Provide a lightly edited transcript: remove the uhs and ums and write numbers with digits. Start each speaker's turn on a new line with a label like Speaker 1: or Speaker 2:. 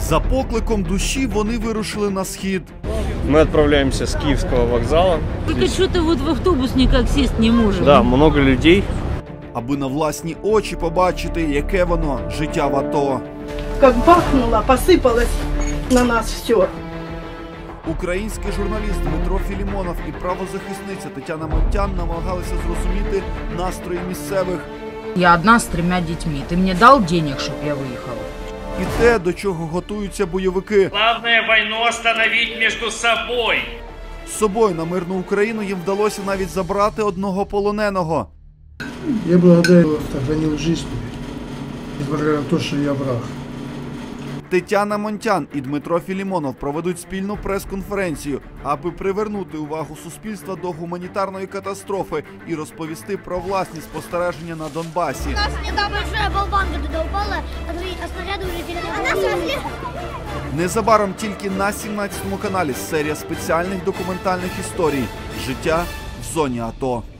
Speaker 1: За покликом душі вони вирушили на схід.
Speaker 2: Мы отправляемся с Киевского вокзала.
Speaker 3: Только что-то вот в автобус никак сесть не можем.
Speaker 2: Да, много людей.
Speaker 1: Аби на власні очі побачити, яке воно життя в АТО.
Speaker 4: Как бахнуло, посыпалось на нас все.
Speaker 1: Український журналіст Дмитро Філімонов і правозахисниця Тетяна Монтян намагалися зрозуміти настрої місцевих.
Speaker 5: Я одна с 3 детьми. Ты мне дал денег, чтобы я выехала?
Speaker 1: І те, до чого готуються бойовики.
Speaker 6: Главное войну остановить между собой.
Speaker 1: З собою на мирну Україну їм вдалося навіть забрати одного полоненого.
Speaker 7: Я благодарю, сохранил жизнь, несмотря на то, что я враг.
Speaker 1: Тетяна Монтян і Дмитро Філімонов проведуть спільну прес-конференцію, аби привернути увагу суспільства до гуманітарної катастрофи і розповісти про власні спостереження на Донбасі.
Speaker 8: У нас недавно большая болванка туда упала, а снаряды уже теряли.
Speaker 1: Незабаром тільки на 17-му каналі серія спеціальних документальних історій «Життя в зоні АТО».